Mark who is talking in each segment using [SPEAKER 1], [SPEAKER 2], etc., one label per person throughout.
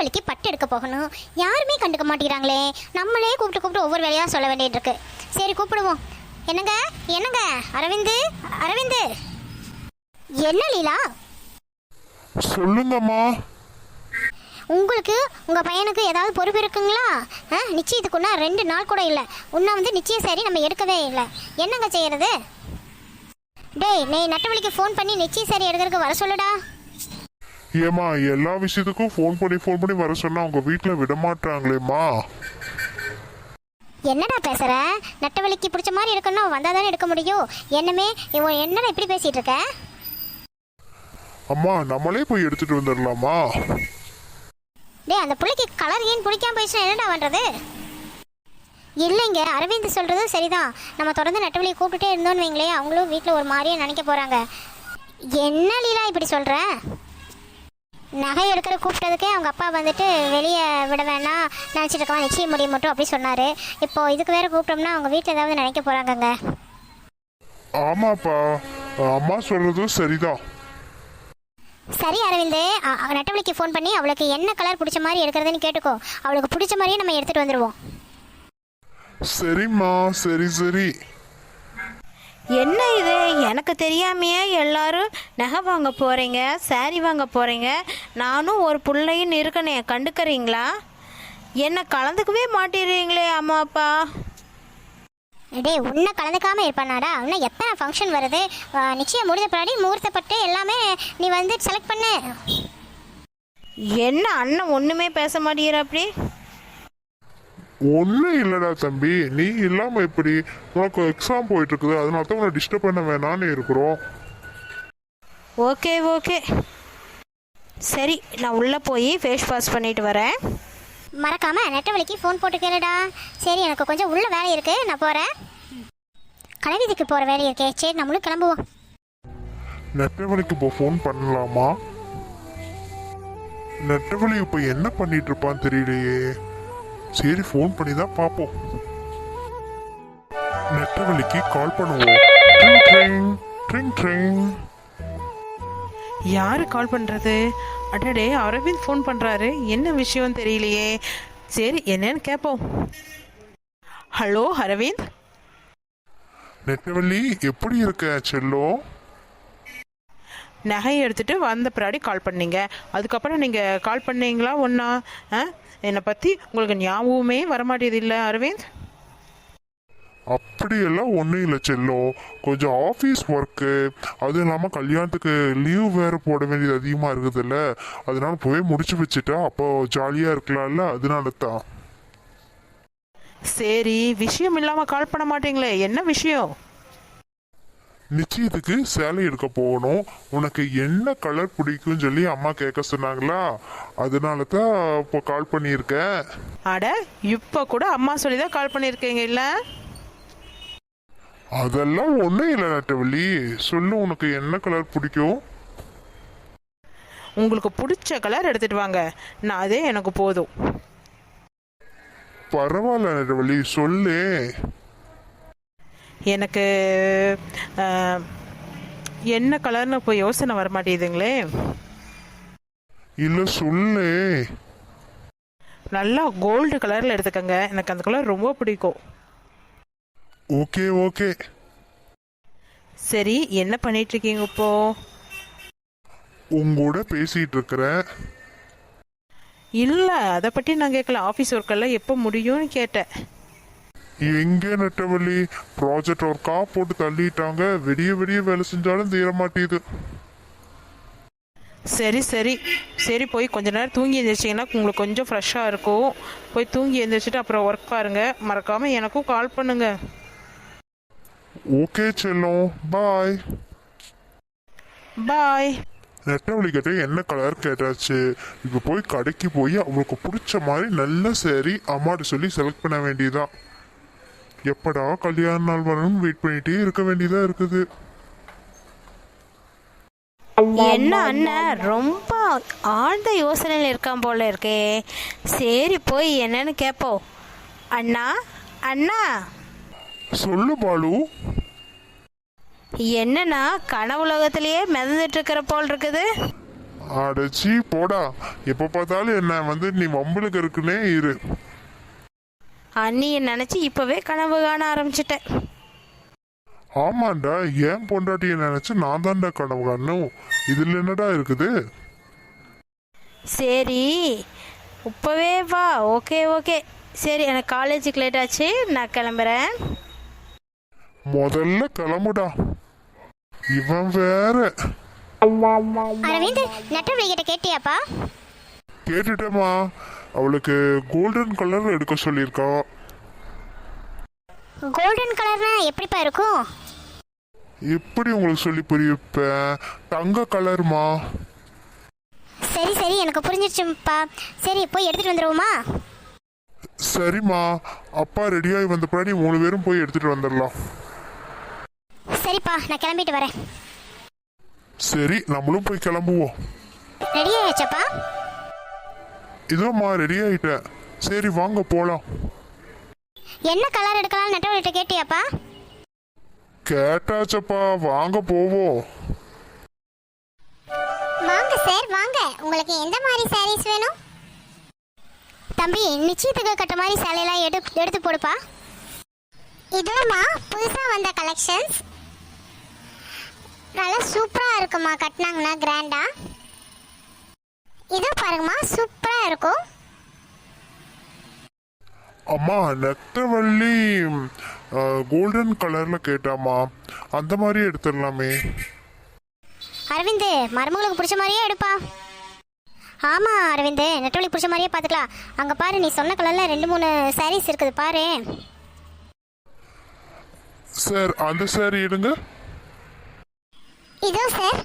[SPEAKER 1] நெட்டவழிக்கு பட்டு எடுக்க போகணும். யாருமே கண்டுக்க மாட்டேங்கிறாங்களே. நம்மளே கூப்பிட்டு ஒவ்வொரு வேலையாக சொல்ல வேண்டியது இருக்கு. சரி கூப்பிடுவோம். என்னங்க என்னங்க அரவிந்து அரவிந்து. என்ன லீலா?
[SPEAKER 2] சொல்லுங்கம்மா.
[SPEAKER 1] உங்களுக்கு உங்கள் பையனுக்கு ஏதாவது பொறுப்பு இருக்குங்களா? நிச்சயத்துக்குன்னா 2 நாள் கூட இல்லை. உன்னை நிச்சயம் சரி நம்ம எடுக்கவே இல்லை. என்னங்க செய்யறது? டேய், நீ நெட்டவழிக்கு ஃபோன் பண்ணி நிச்சயம் சரி எடுக்கிறதுக்கு வர சொல்லுடா.
[SPEAKER 2] ஏமா, எல்லா விஷயத்துக்கும் ஃபோன் பண்ணி வர சொன்னா உங்க வீட்டில் விட மாட்டாங்களேம்மா.
[SPEAKER 1] என்னடா பேசுற? நெட்டவழிக்கு பிடிச்ச மாதிரி இருக்கணும், வந்தால் தானே எடுக்க முடியும். என்னடா இப்படி பேசிட்டு இருக்க?
[SPEAKER 2] அம்மா, நம்மளே போய் எடுத்துட்டு வந்துடலாமா?
[SPEAKER 1] டேய், அந்த பிள்ளைக்கு கலர் ஏன் பிடிக்காம போயிடுச்சுன்னா என்னடா பண்ணுறது? இல்லைங்க, அரவிந்த் சொல்கிறதும் சரிதான். நம்ம தொடர்ந்து நெட்டவழியை கூப்பிட்டுட்டே இருந்தோன்னு வைங்களே, அவங்களும் வீட்டில் ஒரு மாதிரியே நினைக்க போகிறாங்க. என்ன லீலா இப்படி சொல்கிற? நகை எடுக்கிற கூப்பிட்டதுக்கே அவங்க அப்பா வெளியே விட வேணாம் நினச்சிட்டு இருக்கவா, நிச்சயம் முடிய மட்டும் அப்படி சொன்னார். இப்போ இதுக்கு வேறு கூப்பிட்டோம்னா அவங்க வீட்டில் ஏதாவது நினைக்க போகிறாங்கங்க.
[SPEAKER 2] ஆமாப்பா, அம்மா சொல்கிறதும் சரிதான்.
[SPEAKER 1] சரி அரவிந்த், நெட்டவழிக்கு ஃபோன் பண்ணி அவளுக்கு என்ன கலர் பிடிச்ச மாதிரி எடுக்கிறதுன்னு கேட்டுக்கோ. அவளுக்கு பிடிச்ச மாதிரியே நம்ம எடுத்துகிட்டு வந்துடுவோம்.
[SPEAKER 2] சரிம்மா, சரி.
[SPEAKER 3] என்ன இது, எனக்கு தெரியாமையே எல்லாரும் நகை வாங்க போகிறீங்க, சாரி வாங்க போகிறீங்க. நானும் ஒரு பிள்ளையும் இருக்கனே, கண்டுக்கிறீங்களா? என்ன கலந்துக்கவே மாட்டேறீங்களே அம்மா அப்பா.
[SPEAKER 1] டே, உன்னை கலந்துக்காமல் இருப்பானாடா? இன்னும் எத்தனை ஃபங்க்ஷன் வருது. நிச்சயம் முடிந்த பின்னாடி முகூர்த்தப்பட்டு எல்லாமே நீ செலக்ட் பண்ணு.
[SPEAKER 3] என்ன அண்ணன் ஒன்றுமே பேச மாட்டேங்கிற அப்படி?
[SPEAKER 2] ஒன்றும் இல்லைடா தம்பி, நீ இல்லாமல் எப்படி? உனக்கு எக்ஸாம் போயிட்டு இருக்குது, அதனால தான் உன்னை டிஸ்டர்ப் பண்ண வேணான்னு இருக்கிறோம்.
[SPEAKER 3] ஓகே சரி, நான் உள்ளே போய் ஃபேஸ் வாஷ் பண்ணிட்டு வரேன்.
[SPEAKER 1] மறக்காம நெட்டவழிக்கு ஃபோன் போட்டு கேளுடா. சரி, எனக்கு கொஞ்சம் உள்ள வேலை இருக்கு, நான் போகிறேன். கலைவீதிக்கு போகிற வேலை இருக்கே. சரி, நம்மளும் கிளம்புவோம்.
[SPEAKER 2] நெட்டவழிக்கு இப்போ ஃபோன் பண்ணலாமா? நெட்டவழி இப்போ என்ன பண்ணிட்டு இருப்பான்னு தெரியலையே. சரி, ஃபோன் பண்ணி தான் பார்ப்போம். நெட்டவழிக்கு கால் பண்ணுவோம்.
[SPEAKER 4] யாரு கால் பண்றது? அடடே, அரவிந்த் ஃபோன் பண்றாரு. என்ன விஷயம் தெரியலையே. சரி, என்னன்னு கேட்போம். ஹலோ அரவிந்த்.
[SPEAKER 2] நெட்டவழி, எப்படி இருக்க செல்லோ?
[SPEAKER 4] நகையை எடுத்துட்டு வந்த பின்னாடி கால் பண்ணீங்க. அதுக்கப்புறம் நீங்க கால் பண்ணீங்களா ஒன்னா? என்னை பத்தி உங்களுக்கு ஞாபகமே வரமாட்டேது இல்லை அரவிந்த்?
[SPEAKER 2] அப்படியெல்லாம் ஒன்றும் இல்லை செல்லோ, கொஞ்சம் ஆஃபீஸ் ஒர்க்கு, அதுவும் இல்லாமல் கல்யாணத்துக்கு லீவ் வேறு போட வேண்டியது அதிகமாக இருக்குதுல்ல, அதனால போய் முடிச்சு வச்சுட்டா அப்போ ஜாலியாக இருக்கலாம்ல, அதனால தான்.
[SPEAKER 4] சரி, விஷயம் இல்லாமல் கால் பண்ண மாட்டீங்களே, என்ன விஷயம்?
[SPEAKER 2] நிச்சயத்துக்கு சேலை எடுக்க போகணும். உனக்கு என்ன கலர் பிடிக்கும்னு சொல்லி அம்மா கேட்க சொன்னாங்களா, அதனால தான் இப்போ கால் பண்ணியிருக்கேன்.
[SPEAKER 4] அட, இப்போ கூட அம்மா சொல்லி தான் கால் பண்ணியிருக்கீங்க இல்லை?
[SPEAKER 2] அதெல்லாம் ஒன்றும் இல்லை நட்டவள்ளி, சொல்லு, உனக்கு என்ன கலர் பிடிக்கும்?
[SPEAKER 4] உங்களுக்கு பிடிச்ச கலர் எடுத்துட்டு வாங்க, நான் அதே எனக்கு போதும்.
[SPEAKER 2] பரவாயில்ல நட்டவள்ளி, சொல்லு.
[SPEAKER 4] எனக்கு என்ன கலர்னு இப்போ யோசனை வர மாட்டேங்குதுங்களே.
[SPEAKER 2] இல்லை, சொல்லு.
[SPEAKER 4] நல்லா கோல்டு கலரில் எடுத்துக்கங்க, எனக்கு அந்த கலர் ரொம்ப பிடிக்கும்.
[SPEAKER 2] ஓகே.
[SPEAKER 4] சரி, என்ன பண்ணிட்டு இருக்கீங்க இப்போ?
[SPEAKER 2] உங்கூட பேசிட்டு இருக்கிறேன்.
[SPEAKER 4] இல்லை, அதை பற்றி நான் கேட்கல. ஆஃபீஸ் ஒர்க்கெல்லாம் எப்போ முடியும்னு கேட்டேன்.
[SPEAKER 2] எங்கே நட்டவள்ளி, ப்ராஜெக்ட் ஒர்க்கா போட்டு தள்ளிட்டாங்க. விடிய வேலை செஞ்சாலும் தீர மாட்டேது.
[SPEAKER 4] சரி, போய் கொஞ்ச நேரம் தூங்கி எழுந்திரிச்சிங்கன்னா உங்களுக்கு கொஞ்சம் ஃப்ரெஷ்ஷாக இருக்கும். போய் தூங்கி எழுந்திரிச்சிட்டு அப்புறம் ஒர்க் பாருங்க. மறக்காமல் எனக்கும் கால் பண்ணுங்க.
[SPEAKER 2] ஓகே செல்லம், பாய். நெட்டவழி கிட்ட என்ன கலர் கேட்டாச்சு. இப்போ போய் கடைக்கு போய் அவங்களுக்கு பிடிச்ச மாதிரி நல்ல சேரீ அம்மாட்ட சொல்லி செலக்ட் பண்ண வேண்டியதான். எப்படா கல்யாண நாள் வரணும் வெயிட் பண்ணிட்டே இருக்க வேண்டியதா இருக்குது.
[SPEAKER 3] என்ன அண்ணன் ரொம்ப ஆழ்ந்த யோசனையில் இருக்கான் போல இருக்கே. சரி, போய் என்னன்னு கேட்போம். அண்ணா
[SPEAKER 2] சொல்லு பாலு.
[SPEAKER 3] என்னன்னா கனவுலகத்திலேயே மிதந்துட்டு இருக்கிற போல் இருக்குது.
[SPEAKER 2] அடச்சி போடா, எப்போ பார்த்தாலும் என்ன வந்து நீ வம்பளுக்கு இருக்குன்னே இரு.
[SPEAKER 3] அண்ணியை நினச்சி இப்போவே கனவு காண ஆரம்பிச்சிட்டேன்.
[SPEAKER 2] ஆமாண்டா, ஏன் பொண்டாட்டியை நினைச்சு நான் தான்டா கனவு காணும். இதுல என்னடா இருக்குது?
[SPEAKER 3] சரி இப்போவே வா. ஓகே ஓகே சரி, எனக்கு காலேஜுக்கு லேட் ஆச்சு, நான் கிளம்புறேன்.
[SPEAKER 2] முதல்ல கிளம்புடா. இவன் வேற.
[SPEAKER 1] அரவிந்த், நெட்டவழி கிட்ட கேட்டியாப்பா?
[SPEAKER 2] கேட்டுட்டேம்மா, அவளுக்கு கோல்டன் கலர் எடுக்க சொல்லியிருக்கா.
[SPEAKER 1] கோல்டன் கலர்னா எப்படிப்பா இருக்கும்?
[SPEAKER 2] எப்படி உங்களுக்கு சொல்லி புரியுப்பேன்? தங்க கலர்மா.
[SPEAKER 1] சரி சரி, எனக்கு புரிஞ்சிருச்சுப்பா. சரி போய் எடுத்துட்டு வந்துடுவோமா?
[SPEAKER 2] சரிம்மா, அப்பா ரெடியாகி வந்த பின்னாடி 3 பேரும் போய் எடுத்துட்டு வந்துடலாம்.
[SPEAKER 1] சரிப்பா, நான் கிளம்பிட்டு வரேன்.
[SPEAKER 2] சரி, நம்மளும் போய் கிளம்புவோம்.
[SPEAKER 1] ரெடி ஆயாச்சப்பா?
[SPEAKER 2] இதோம்மா ரெடி ஆயிட்டேன். சரி வாங்க போலாம்.
[SPEAKER 1] என்ன கலர் எடுக்கலாம் நெட்டவழிகிட்ட கேட்டியாப்பா?
[SPEAKER 2] கேட்டாச்சப்பா, வாங்க போவோம்.
[SPEAKER 1] வாங்க சார் வாங்க, உங்களுக்கு எந்த மாதிரி சாரீஸ் வேணும்? தம்பி, நிச்சயத்துக்கு கட்ட மாதிரி சேலையெல்லாம் எடுத்து போடுப்பா. இதுமா புதுசாக வந்த கலெக்ஷன்ஸ், நல்லா சூப்பராக இருக்குமா, கட்டினாங்கன்னா கிராண்டா. இதோ பாருங்கம்மா, சூப்பராக இருக்கும்.
[SPEAKER 2] அம்மா, நெட்டவள்ளி கோல்டன் கலர்ல கேட்டாமா, அந்த மாதிரி எடுத்துடலாமே.
[SPEAKER 1] அரவிந்த், மருமகளுக்கு பிடிச்ச மாதிரியே எடுப்பா. ஆமாம் அரவிந்த், நெட்டவழி பிடிச்ச மாதிரியே பார்த்துக்கலாம். அங்கே பாரு, நீ சொன்ன கலரில் 2-3 சாரீஸ் இருக்குது பாரு.
[SPEAKER 2] சார், அந்த சாரி எடுங்க.
[SPEAKER 1] இதோ சார்.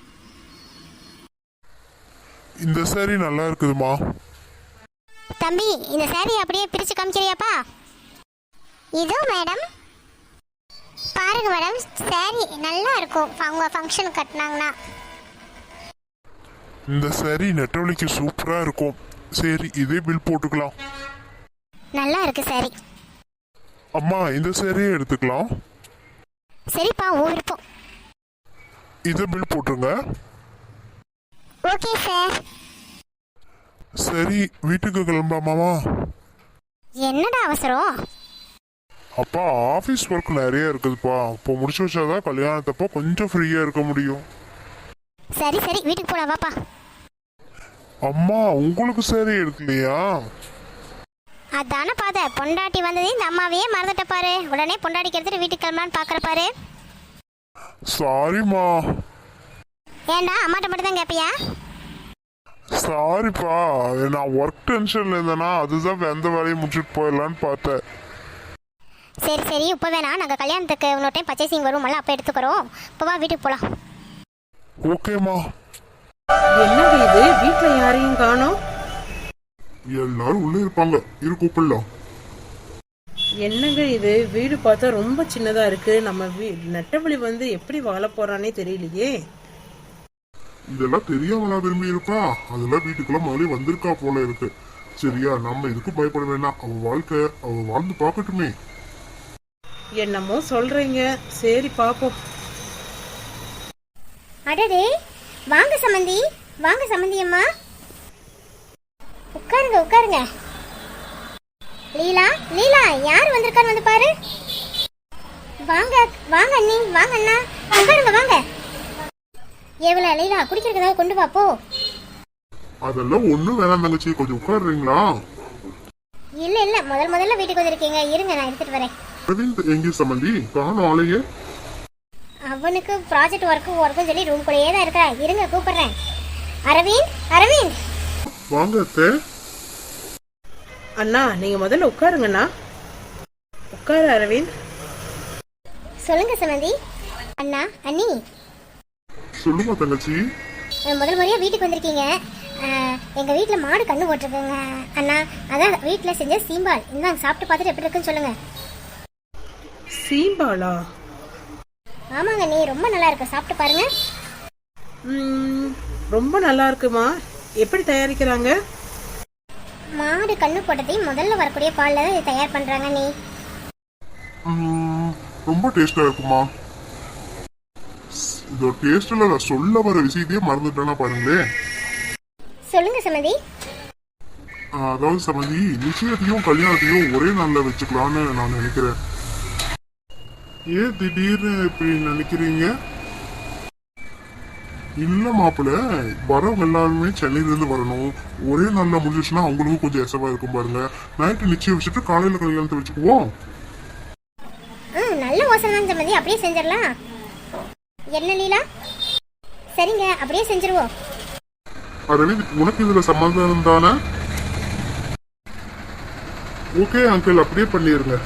[SPEAKER 2] இந்த சாரி நல்லா இருக்குதுமா.
[SPEAKER 1] தம்பி, இந்த சாரி அப்படியே பிரித்து காமிக்கிறியாப்பா? இதோ மேடம், பாருங்க மேடம், சாரி நல்லா இருக்கும் அவங்க ஃபங்க்ஷன் கட்டினாங்கன்னா.
[SPEAKER 2] இந்த சாரி நெட்டவழிக்கு சூப்பரா இருக்கும். சரி, இதே பில் போட்டுக்கலாம்.
[SPEAKER 1] நல்லா இருக்கு சாரி.
[SPEAKER 2] அம்மா, இந்த சாரியே எடுத்துக்கலாம்.
[SPEAKER 1] சரிப்பா, உன் விருப்பம்.
[SPEAKER 2] இதை பில் போட்டுருங்க.
[SPEAKER 1] Okay sir.
[SPEAKER 2] சரி, வீட்டுக்கு கிளம்பலாமாமா?
[SPEAKER 1] என்னடா அவசரம்?
[SPEAKER 2] அப்பா, ஆஃபீஸ் ஒர்க் நிறைய இருக்குதுப்பா. இப்போ முடிச்சு வச்சாதான் கல்யாணத்தப்போ கொஞ்சம் ஃப்ரீயா இருக்க முடியும்.
[SPEAKER 1] சரி சரி, வீட்டுக்கு போலாம் வாப்பா.
[SPEAKER 2] அம்மா, உங்களுக்கு சாரி எடுக்கலையா?
[SPEAKER 1] அதான பாத, பொண்டாட்டி வந்ததே இந்த அம்மாவையே மறந்துட்ட பாரு. உடனே பொண்டாட்டிக்கு எடுத்துட்டு வீட்டுக்கு கிளம்பலான்னு பாக்குற பாரு.
[SPEAKER 2] சாரிம்மா.
[SPEAKER 1] ஏண்டா அம்மாட்ட மட்டும் தான் கேட்பியா?
[SPEAKER 2] சாரிப்பா, நான் ஒர்க் டென்ஷன்ல இருந்தேனா, அதுதான் எந்த வேலையை முடிச்சுட்டு போயிடலான்னு பார்த்தேன்.
[SPEAKER 1] சரி சரி, இப்போ வேணாம், நாங்கள் கல்யாணத்துக்கு இன்னொரு டைம் பர்ச்சேசிங் வருவோம்ல, அப்போ எடுத்துக்கிறோம். இப்போ வா, வீட்டுக்கு போகலாம்.
[SPEAKER 2] ஓகேம்மா.
[SPEAKER 4] என்னங்க இது, வீட்டில் யாரையும் காணோம்?
[SPEAKER 2] எல்லாரும் உள்ள இருப்பாங்க, இரு கூப்பிடலாம்.
[SPEAKER 4] என்னங்க இது, வீடு பார்த்தா ரொம்ப சின்னதா இருக்கு. நம்ம நெட்டவழி வந்து எப்படி வாழ போறானே தெரியலையே.
[SPEAKER 2] இதெல்லாம் தெரியாமலா விரும்பி இருப்பா? அதெல்லாம் வீட்டுக்குள்ள முதலே வந்திருக்கா போல இருக்கு. சரியா, நம்ம இதுக்கு பயப்பட வேணாம். அவ வாழ்க்கை அவ வாழ்ந்து பார்க்கட்டுமே.
[SPEAKER 4] என்னமோ சொல்றீங்க, சரி பாப்போம்.
[SPEAKER 1] அடடே, வாங்க சம்மந்தி, வாங்க சம்மந்தி அம்மா, உட்காருங்க உட்காருங்க. லீலா லீலா, யார் வந்திருக்கான்னு வந்து பாரு. வாங்க வாங்க அண்ணி, வாங்க அண்ணா, உட்காருங்க வாங்க. எவ்வளோ லீலா, குடிக்கிறதுக்கு ஏதாவது கொண்டு வா போ.
[SPEAKER 2] அதெல்லாம் ஒண்ணும் வேணாம் தங்கச்சி, கொஞ்சம் உட்காருறீங்களா?
[SPEAKER 1] இல்ல இல்ல, முதல்ல வீட்டுக்கு வந்திருக்கீங்க, இருங்க நான் எடுத்துட்டு வரேன்.
[SPEAKER 2] அரவிந்த் எங்கே சம்பந்தி? காணும் ஆளையே.
[SPEAKER 1] அவனுக்கு ப்ராஜெக்ட் ஒர்க்கும் சொல்லி ரூம் கூடயே தான் இருக்கிறா. இருங்க கூப்பிடுறேன். அரவிந்த் அரவிந்த்.
[SPEAKER 2] வாங்க அத்தை.
[SPEAKER 4] அண்ணா, நீங்க முதல்ல உட்காருங்கண்ணா. உட்காரு அரவிந்த்.
[SPEAKER 1] சொல்லுங்க சமந்தி. அண்ணா அண்ணி,
[SPEAKER 2] சொல்லுமா தங்கச்சி.
[SPEAKER 1] முதல் முறையா வீட்டுக்கு வந்திருக்கீங்க. எங்க வீட்டுல மாடு கண்ணு போட்டிருக்குங்க அண்ணா. அதான் வீட்டுல செஞ்ச சீம்பால், இந்தாங்க சாப்பிட்டு பார்த்துட்டு எப்படி இருக்குன்னு சொல்லுங்க.
[SPEAKER 4] சீம்பாலா?
[SPEAKER 1] ஆமாங்க நீ, ரொம்ப நல்லா இருக்கு, சாப்பிட்டு பாருங்க.
[SPEAKER 4] ரொம்ப நல்லா இருக்குமா? எப்படி தயாரிக்கிறாங்க?
[SPEAKER 1] மாடு கண்ணு போட்டதையும் முதல்ல வரக்கூடிய பால்ல தான் இதை தயார் பண்றாங்க நீ.
[SPEAKER 2] ரொம்ப டேஸ்டா இருக்குமா? இதோட டேஸ்ட்ல நான் சொல்ல வர விஷயத்தையே மறந்துட்டேன்னா பாருங்களேன்.
[SPEAKER 1] சொல்லுங்க சம்மதி.
[SPEAKER 2] அதாவது சமந்தி, நிச்சயத்தையும் கல்யாணத்தையும் ஒரே நாள்ல வச்சுக்கலாம்னு நான் நினைக்கிறேன். ஏன் திடீர்னு இப்படி நினைக்கிறீங்க? இல்ல மாப்பிள்ள, வரவங்க எல்லாருமே சென்னையில இருந்து வரணும். ஒரே நாள்ல முடிஞ்சிச்சுன்னா அவங்களுக்கும் கொஞ்சம் எசவா இருக்கும் பாருங்க. நைட்டு நிச்சயம் வச்சுட்டு காலையில கல்யாணத்தை வச்சுக்குவோம்.
[SPEAKER 1] நல்ல யோசனை தான் சம்மதி, அப்படியே செஞ்சிடலாம். என்ன லீலா? சரிங்க, அப்படியே செஞ்சிருவோம்.
[SPEAKER 2] அரவிந்த், உனக்கு இதுல சம்மந்தம் தானே? ஓகே அங்கிள், அப்படியே பண்ணிருங்க.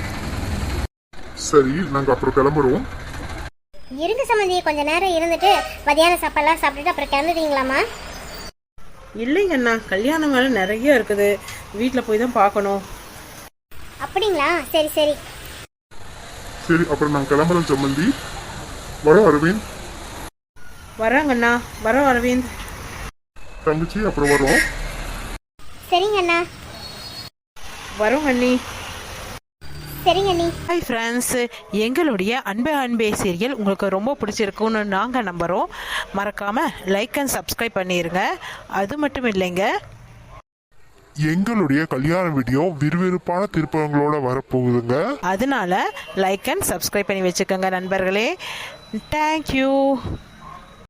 [SPEAKER 2] சரி, நாங்க அப்புறம் கிளம்புறோம்.
[SPEAKER 1] இருங்க சம்மந்தி, கொஞ்ச நேரம் இருந்துட்டு மதியான சாப்பாடுலாம் சாப்பிட்டுட்டு அப்புறம் கிளம்புவீங்களாமா?
[SPEAKER 4] இல்லைங்கண்ணா, கல்யாணம் வேலை நிறைய இருக்குது, வீட்டில் போய் தான் பார்க்கணும்.
[SPEAKER 1] அப்படிங்களா? சரி சரி.
[SPEAKER 2] சரி, அப்புறம் நாங்க கிளம்புறோம் சம்மந்தி. வரோம் அரவிந்த்.
[SPEAKER 4] வராங்கண்ணா, வரோம் அரவிந்த்.
[SPEAKER 2] தங்கச்சி, அப்புறம் வரோம்.
[SPEAKER 1] சரிங்க அண்ணா.
[SPEAKER 4] வரோம் அண்ணி.
[SPEAKER 1] சரிங்க அண்ணி.
[SPEAKER 4] ஹாய் ஃப்ரெண்ட்ஸ், எங்களுடைய அன்பே அன்பே சீரியல் உங்களுக்கு ரொம்ப பிடிச்சிருக்குன்னு நாங்கள் நம்புகிறோம். மறக்காமல் லைக் அண்ட் சப்ஸ்கிரைப் பண்ணிடுங்க. அது மட்டும் இல்லைங்க,
[SPEAKER 2] எங்களுடைய கல்யாண வீடியோ விறுவிறுப்பான திருப்பங்களோட வரப்போகுதுங்க.
[SPEAKER 4] அதனால லைக் அண்ட் சப்ஸ்கிரைப் பண்ணி வச்சுக்கோங்க நண்பர்களே. தேங்க்யூ.